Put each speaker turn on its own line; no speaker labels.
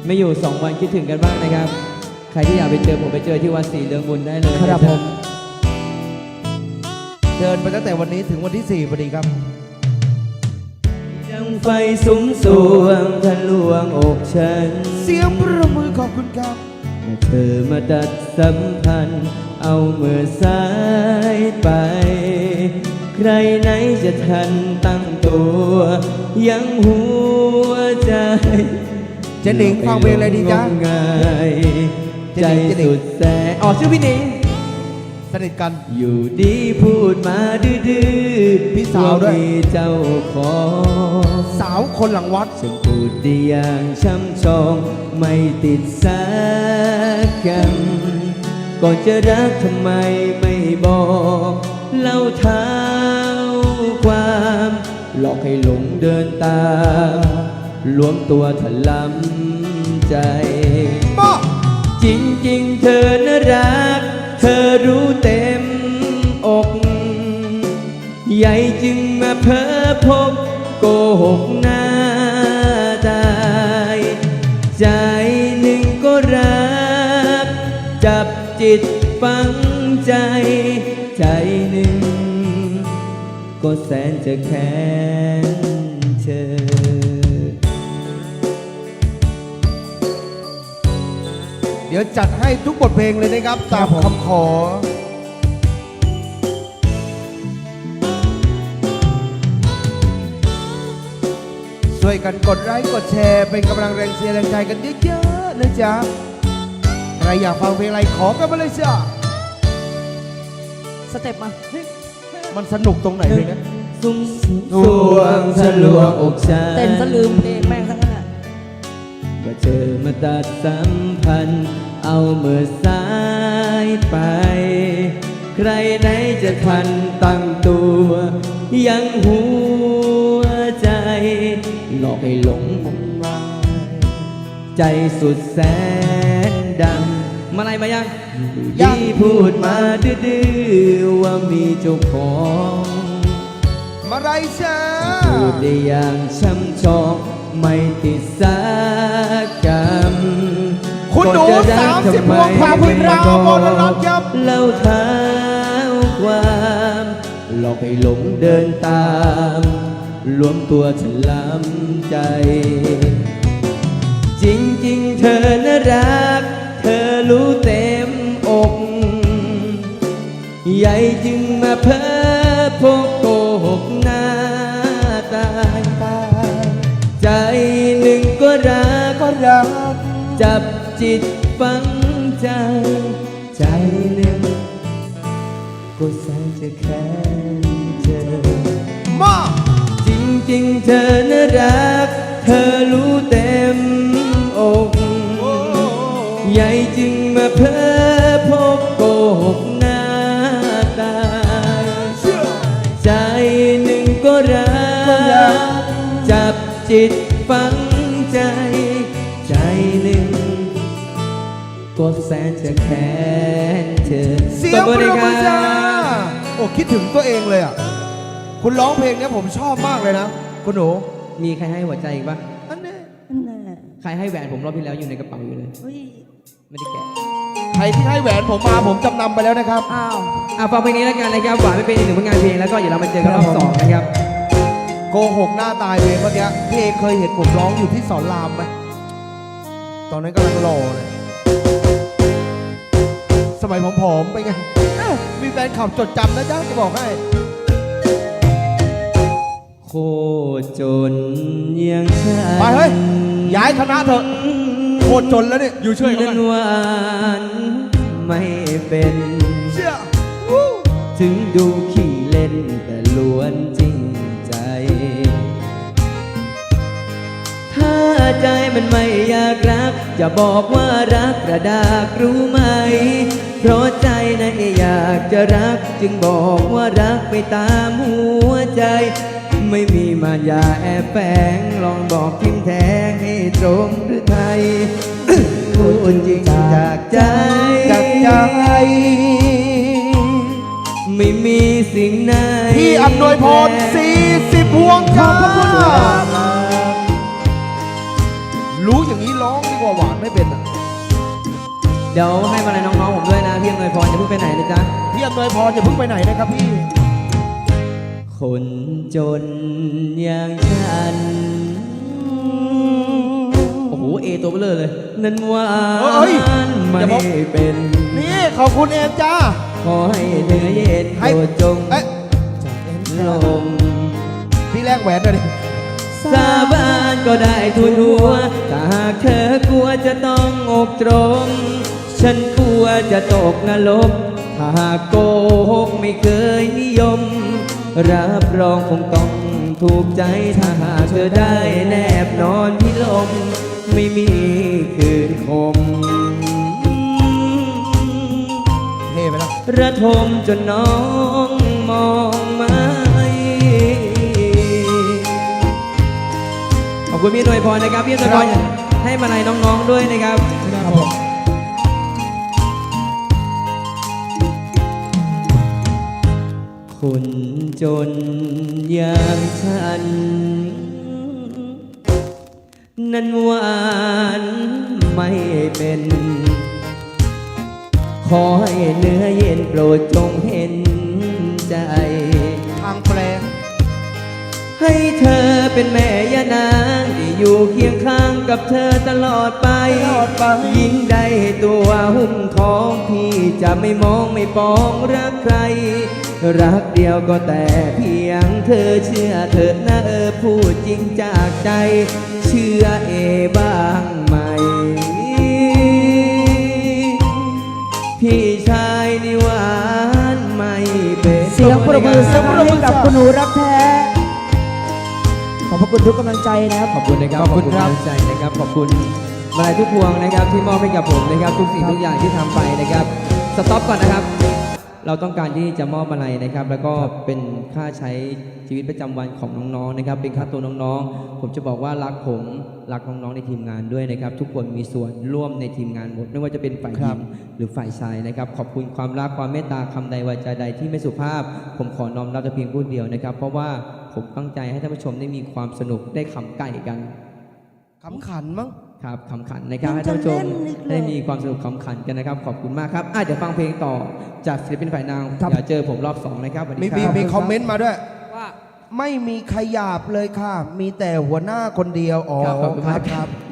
ไม่อยู่2 วันคิดถึงกันบ้างนะครับใครที่อยากไปเจอผมไปเจอที่วัดศรีเรืองบุญได้เลย
ครับผม
เดินไปตั้งแต่วันนี้ถึงวันที่4พอดีครับ
ยังไฟสุมสวงทะลวงอกฉัน
เสียงประมือขอบคุณครับ
เมื่อเธอมาตัดสัมพันธ์เอามือซ้ายไป ใครไหนจะทันตั้งตัว ยังหัวใจ
เจหนิงฟังเพลงอะไรดีจ๊ะ
งมงาย
เจ
ใจ
หนิง
สุดแสนอ๋อชื่อพี่หนิง
สนิทกัน
อยู่ดีพูดมาดื้อๆ
พี่สาวด้วย
มีเจ้าของ
สาวคนหลังวัด
ฉันพูดได้อย่างช่ำชองไม่ติดสักคำก่อนจะรักทำไมไม่บอกเล่าเท้าความหลอกให้หลงเดินตามลวมตัวถลำใจ
ป้อ
จริงๆเธอน่ารัก เธอรู้เต็มอก ใหญ่จึงมาเพ้อพบโกหกหน้าตายใจหนึ่งก็รัก จับจิตฝังใจ ใจหนึ่งก็แสนจะแค้นเธอ
เดี๋ยวจัดให้ทุกบทเพลงเลยนะครับ ตามคำขอ ช่วยกันกดไลค์กดแชร์เป็นกำลังแรงเชียร์แรงใจกันเยอะๆนะจ๊ะ ใครอยากฟังเพลงอะไรขอกันมาเลยจ้ะ
สเต็ปมา
มันสนุกตรงไหนเพลงนี้
สุมสวงทะลวงอกฉัน
เต้นซะลืมเพลงแม่งทั้งนั้น
ว่าเธอมาตัดสัมพันธ์เอามือซ้ายไป ใครไหนจะทันตั้งตัว ยังหัวใจ หลอกให้หลงงมงายใจสุดแสนดำมาอะไรมายังดีพูดมาดื้อๆว่ามีเจ้าของ
มาไรจ้า
พูดได้อย่างช่ำชองไม่ติดสักคำ
คุณหนู
ก่อนจะรัก
30
ทำไม
พวงความคุณราวมนรัตน์ครับ
เล่าเท้าความหลอกให้หลงเดินตามรวมตัวฉันล้ำใจ จริงๆเธอน่ารัก เธอรู้เต็มอก ใหญ่จึงมาเพ้อพกโกหกหน้าตายใจหนึ่งก็รัก จับจิตฝังใจ ใจหนึ่งก็แสนจะแค้นเธอ
มา
จริงๆเธอน่ารัก เธอรู้เต็มอก ใหญ่จึงมาเพ้อพบโกหกหน้าตายใจหนึ่งก็รัก จับจิตฝังใจ ใจหนึ่งก็แสนจะแค้นเธอ
เสียง
ตบ
ป
มื
ร
อบ
มือ
ค
จ้า
รับ
โอ้คิดถึงตัวเองเลยอ่ะ คุณร้องเพลงเนี้ยผมชอบมากเลยนะ คุณหนู
มีใครให้หัวใจอีกปะ
อันนี้
นั่นแหละ
ใครให้แหวนผมรอบที่แล้วอยู่ในกระเป๋าอยู่เลย
เฮ้ย
ไม่ได้แกะ
ใครที่ให้แหวนผมมาผมจำนำไปแล้วนะครับ
อ้าว
ฟังเพลงนี้แล้วกันนะครับหวานไม่เป็นอีกหนึ่งผลงานเพลงแล้วก็เดี๋ยวเรามาเจอกันรอบ2นะครับ
โกหกหน้าตายเพลงเมื่อกี้พี่เอเคยเห็นผมร้องอยู่ที่สอนรามไหมตอนนั้นกำลังหล่อเลยสมัยผอมๆไปไงมีแฟนขับจดจำนะจ๊ะจะบอกให้
โคตรจนยังฉัน
ไปเฮ้ยย้ายคณะเถอะโคตรจนแล้วเนี่ยอยู่เฉยๆ
นั้
กัน
นหวานไม่เป็น
เชื่อวู้
ถึงดูขี้เล่นแต่ล้วนจริงใจ ถ้าใจมันไม่อยากรัก จะบอกว่ารักกระดากรู้ไหม เพราะใจนั้นอยากจะรัก จึงบอกว่ารักไปตามหัวใจ ไม่มีมารยาแอบแฝงลองบอกทิมแทงให้ตรงหรือไทย พูดจริงจากใจ
จากใจ
ไม่มีสิ่งไหน
พี่อำนวยพร40 พวงจ้า
ขอบพระคุณครับ
รู้อย่างนี้ร้องดีกว่าหวานไม่เป็นอ่ะ
เดี๋ยวให้มาลัยน้องๆผมด้วยนะพี่อำนวยพรอย่าเพิ่งไปไหนนะจ๊ะ
พี่อำนวยพรอย่าเพิ่งไปไหนนะครับพี่
คนจนอย่างฉัน โอ้โห เอตัวเบลอเลย นั้นหวา
เฮ้ย
นไม่
อย่าบอก
เป็น
นี่ขอบคุณเอมจ้า
ขอให้เนื้อเย็น
ให้
โปรดจง
เอ๊ะ
ลง
พี่แลกแหวนหน่อยดิ
สาบานก็ได้ทุนหัวถ้าหากเธอกลัวจะต้องอกตรง ฉันกลัวจะตกนรกถ้าหากโกหกไม่เคยนิยม รับรองคงต้องถูกใจถ้าหากเธอได้แนบนอนที่ลม ไม่มีคืนคม
เท่ไปแล้ว
ระทมจนน้องมองไม่ ขอบคุณพี่หน่วยพรนะครับพี่หน่วยพรให้มาลัยน้องๆด้วยนะครับ
ครับผม
คนจนอย่างฉัน นั้นหวานไม่เป็น ขอให้เนื้อเย็นโปรดจงเห็นใจ
ทางแปลง
ให้เธอเป็นแม่ย่านางที่อยู่เคียงข้างกับเธอตลอดไป
ตลอดไป
ยิ่งได้ตัวหุ้มของพี่จะไม่มองไม่ปองรักใคร รักเดียวก็แต่เพียงเธอเชื่อเถิดนะพูดจริงจากใจ เชื่อเอบ้างไหม พี่ชายนี่หวานไม่เป็น
เสียงปรบมือสักครั้งให้กับคุณหนูรักแท้ ขอบพระคุณทุกกำลังใจนะครับ
ขอบคุณนะครับ
ขอบคุณครับ
กำลังใจนะครับ ขอบคุณมาลัยทุกพวงนะครับที่มอบให้กับผมนะครับ ทุกสิ่งทุกอย่างที่ทำไปนะครับสต็อปก่อนนะครับ เราต้องการที่จะมอบมาลัยนะครับ แล้วก็เป็นค่าใช้ชีวิตประจำวันของน้องๆนะครับ เป็นค่าตัวน้องๆ ผมจะบอกว่ารักผมรักน้องๆในทีมงานด้วยนะครับ ทุกคนมีส่วนร่วมในทีมงานหมดไม่ว่าจะเป็นฝ่ายหญิงหรือฝ่ายชายนะครับ ขอบคุณความรักความเมตตาคำใดวาจาใดที่ไม่สุภาพ ผมขอน้อมรับแต่เพียงผู้เดียวนะครับ เพราะว่าผมตั้งใจให้ท่านผู้ชมได้มีความสนุกได้ขำไก่กัน
ขำขันมั้ง
ครับขำขันนะครับให้ท่านผู้ชมได้มีความสนุกขำขันกันนะครับ ขอบคุณมากครับเดี๋ยวฟังเพลงต่อจากศิลปินฝ่ายนางอย่าเจอผมรอบ2นะครับสวัสดีครับ
มีคอมเมนต์มาด้วย
ว่า
ไม่มีขยาบเลยค่ะ มีแต่หัวหน้าคนเดียว อ๋อ
ครับขอบคุณ
ค
มา
รั
ก
บครับ